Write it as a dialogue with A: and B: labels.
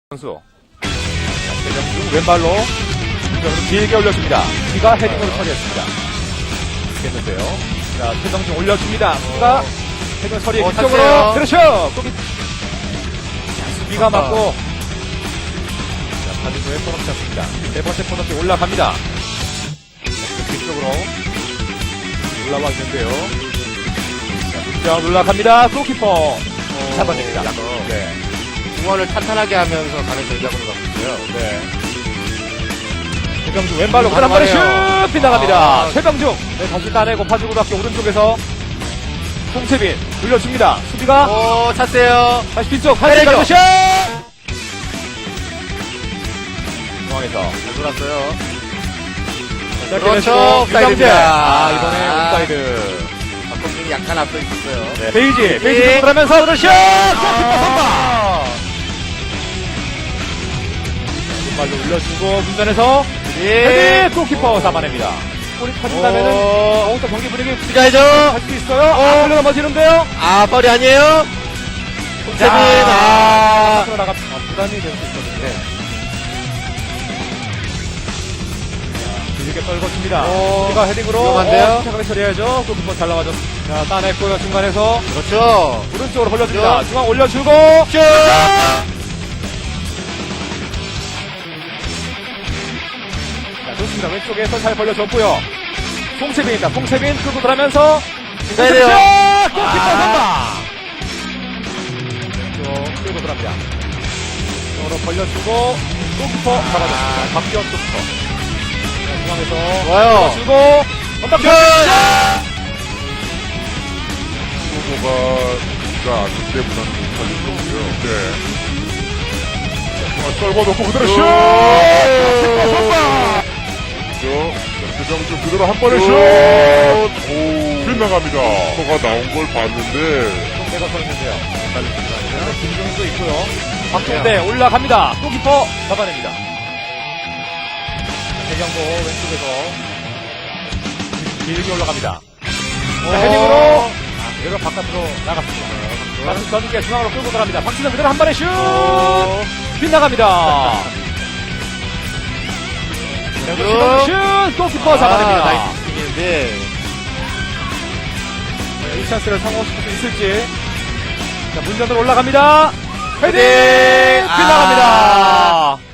A: 선수. 최정중 왼발로 길게 올려줍니다. 수비가 헤딩으로 처리했습니다. 됐는데요. 자, 최정중 올려줍니다. 수비가 헤딩 처리 뒤쪽으로. 그렇죠. 수비가 맞고. 자, 파주도의 코너킥 잡습니다. 네 번째 코너킥 올라갑니다. 뒤쪽으로 올라와 있는데요. 자, 올라갑니다. 골키퍼 잡아냅니다. 네.
B: 중원을 탄탄하게 하면서 가는 전략으로 가고 있어요.
A: 네. 최병중 왼발로 한 번에 슛! 빗나갑니다. 최병중. 네, 다시 따내고 파주고등학교 오른쪽에서 송채빈 돌려줍니다. 수비가
B: 오, 찼어요.
A: 다시 뒤쪽 한대가리고 슛! 중앙에서
B: 돌았어요.
A: 그렇죠.
B: 옵사이드입니다.
A: 이번에 옵사이드.
B: 박범준이 약간 앞서 있었어요.
A: 네. 베이지 쪽으로 하면서 그렇죠. 발로 올려주고 문전에서 헤딩 골키퍼 잡아냅니다. 골이 터진다면은 더욱더 경기 분위기
B: 가야죠.
A: 할 수 있어요. 흘러 넘어지는데요.
B: 펄이 아니에요. 송채빈.
A: 앞으로 나가 부담이 될 수 있거든요. 길게 떨궈줍니다. 수비가 헤딩으로
B: 위험한데요?
A: 착하게 처리해야죠. 골키퍼 잘 나가죠. 자, 따냈고요. 중간에서
B: 그렇죠.
A: 오른쪽으로 벌려줍니다.
B: 그렇죠.
A: 중앙 올려주고
B: 슛!
A: 좋습니다. 왼쪽에서 잘 벌려줬고요. 송채빈입니다. 송채빈 끌고 들어가면서
B: 가야 돼요.
A: 골키퍼 선방. 왼쪽 끌고 들어갑니다. 쪽으로 벌려주고 골키퍼 잡아줬습니다. 박기현 골키퍼. 중앙에서
B: 좋아요.
A: 주고 건담
B: 슛!
C: 후보가 아주 때문에 못하는 거고요. 네. 떨궈놓고 그대로 슛! 골키퍼 선방! 최정중 그대로 한 번에 슛! 오, 빗나갑니다. 코가 나온 걸 봤는데.
A: 송대가 서 있는데요. 김종도 있고요. 박종대 올라갑니다. 골키퍼 잡아냅니다. 대경보 왼쪽에서 길게 올라갑니다. 자, 헤딩으로 그대로 바깥으로 나갔습니다. 다시 전개 중앙으로 끌고 들어갑니다. 박진영 그대로 한 번에 슛! 빗나갑니다. 슛! 골키퍼 잡아냅니다.
B: 나이스 킥인데.
A: 이 찬스를 성공시킬 수 있을지. 자, 문전으로 올라갑니다. 헤딩! 빗나갑니다.